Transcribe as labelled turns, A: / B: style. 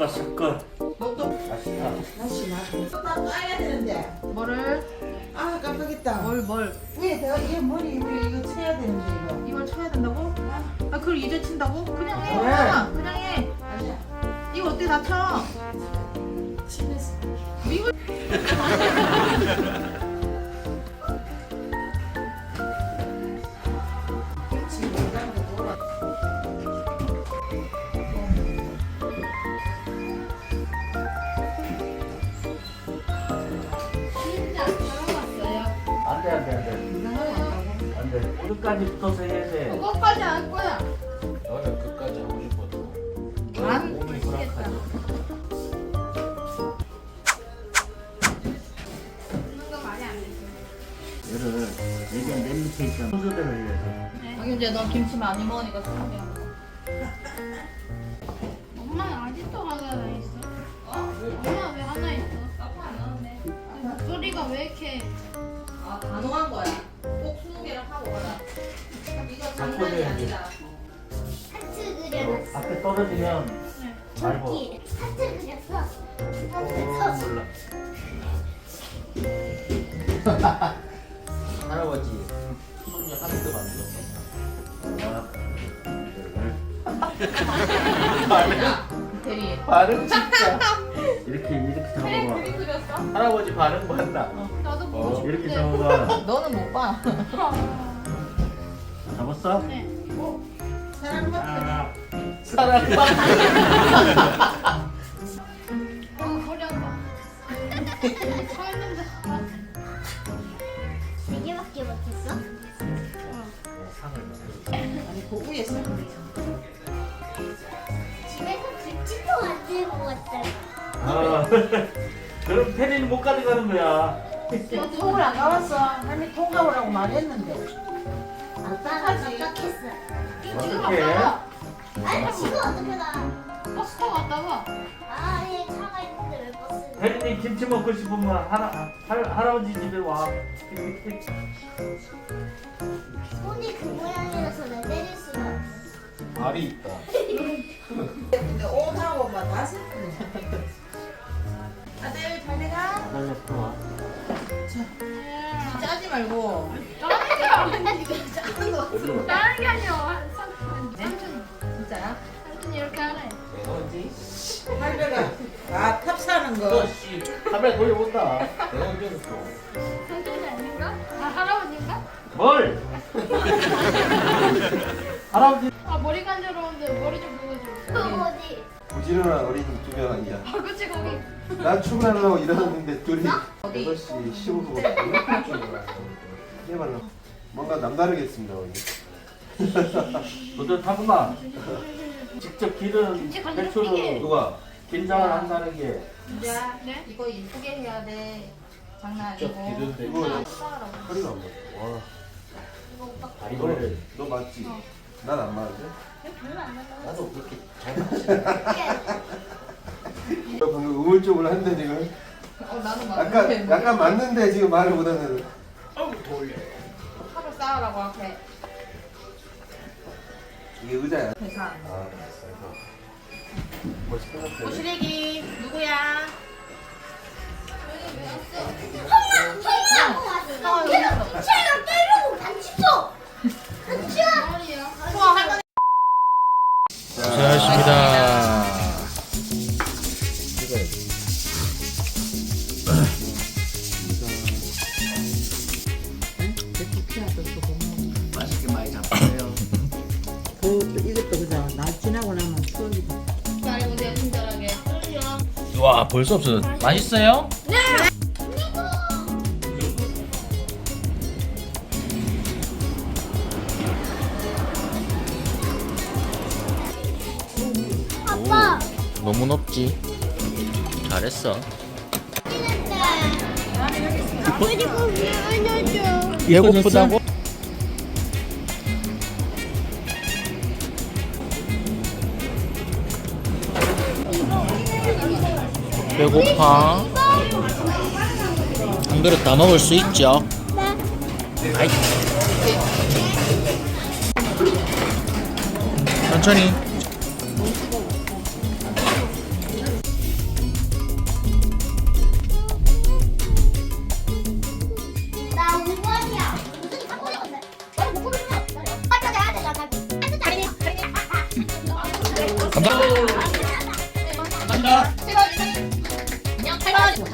A: 섞어.
B: 목도
A: 맛있다.
B: 다시 놔둬. 딱 까야 되는데.
C: 뭐를?
B: 아 깜빡했다.
C: 뭘?
B: 위에 내가 얘 머리 위에 이거 쳐야 되는데 이거.
C: 이걸 쳐야 된다고? 아 그걸 이제 친다고? 그냥 해.
B: 왜?
C: 그냥 해.
B: 아니야.
C: 이거 어떻게 다 쳐?
B: 집에서.
C: 이거
B: 김치 냉장고 돌아.
D: 진짜 잘 왔어요.
A: 안돼.
B: 냉장고 왔다고.
A: 안돼. 끝까지 붙어서 해야 돼.
D: 그거까지 할 거야.
E: 너는 끝까지 하고 싶어도
D: 안
A: 몸이
D: 미치겠다.
A: 불안하지.
D: 먹는 거 말이 안 되지.
A: 얘를 예전 맨 밑에 있던 순서대로 해야 돼.
C: 박윤재 너 김치 많이 먹으니까 소고기 안 먹어.
D: 엄마 아직도 하나 있어? 엄마 왜 하나 있어? 아빠 안 나왔네. 목소리가 왜 이렇게
C: 아 단호한 거야. 꼭 20개를 하고 가라. 이거
A: 장난이 아니다.
F: 하트 그려놨어.
A: 앞에 떨어지면 말고.
F: 저기 하트 그렸어.
A: 몰라. 할아버지 손이 하나도 만들었어.
C: 대리.
A: 반응 진짜. 이렇게 잡아봐.
C: 그림 그렸어?
A: 할아버지 반응 봤나?
D: 나도 보고 싶은데.
A: 이렇게 잡아봐.
C: 너는 못 봐.
A: 잡았어?
D: 네.
B: 사람 같아.
A: 사랑.
D: 허리 아파. 서 있는데.
F: 네 개밖에 못했어?
B: 아니 그 위에 서.
F: 집에서 집도 만들고 왔다.
A: 아, 그럼 테리는 못 가져가는 거야.
B: 통을 안 가봤어. 할머니 통 가보라고 말했는데.
F: 아빠가 깜빡했어.
A: 어떻게?
F: 아니 지금 어떻게 나?
D: 버스 타고 왔다 봐.
F: 아예 차가 있는데 왜 버스를?
A: 테리님 김치 먹고 싶으면 할아버지 집에 와.
F: 손이 그 모양이라서 내 때릴 수가 없어.
E: 알이 있다.
B: 근데 옷하고만 다 슬프네. 아들 잘 내가.
A: 아들 또 와.
B: 짜지 말고.
D: 다른 게 아니야. 삼촌.
C: 진짜야?
D: 삼촌 이렇게 하래.
A: 어디?
B: 할배가 아 탑사는 거.
A: 너씨 카메라 돌려본다.
E: 내가 언제 했어?
D: 삼촌이 아닌가? 아 할아버지인가?
A: 뭘? 할아버지.
D: 아 머리 간지러운데 머리 좀 보여줘.
F: 너 어디?
G: 부지런한 어린이 두 명 아니야.
D: 아 그치 거기.
G: 난 출근하려고 일어났는데 둘이
C: 어디?
G: 8시 15분. 해봐라. 뭔가 남다르겠습니다, 오늘.
A: 너도 타구나. 직접 기른
D: 김치 간장
A: 배추를
D: 튀게.
G: 누가?
A: 김장을 한다는 게
C: 야,
D: 네?
C: 이거 이쁘게 해야 돼. 장난
E: 직접
C: 아니고.
E: 기른데
G: 이거
C: 싸라고.
G: 허리가 안 맞아. 와.
A: 다리를
G: 너 맞지? 난 안 맞는데?
E: 나도 그렇게 잘 맞지.
G: 너 방금 우물쭈물 한데 지금.
C: 나는 맞는데.
G: 약간 맞는데 지금 말을 못하는.
C: 하루 싸우라고 앞에.
G: 이게 의자야.
C: 계산.
G: 아, 뭐 시끄럽대.
C: 고시래기 누구야?
F: 형이라고 왔어. 걔가 김치랑 때리고 같이 줘. 같이 줘.
D: 머리야.
E: 고생하셨습니다.
A: 맛있게 많이 잡으세요.
B: 이것도 그냥 날 지나고 나면 추억이다.
C: 잘 보세요 친절하게.
E: 와 벌써 없어. 맛있어요?
F: 아빠.
E: 너무 높지. 잘했어.
F: 그리고 미안해줘.
E: 배고프다고? 배고파. 한 그릇 다 먹을 수 있죠? 아이. 천천히. 감사합니다.
C: 그냥 8만 원.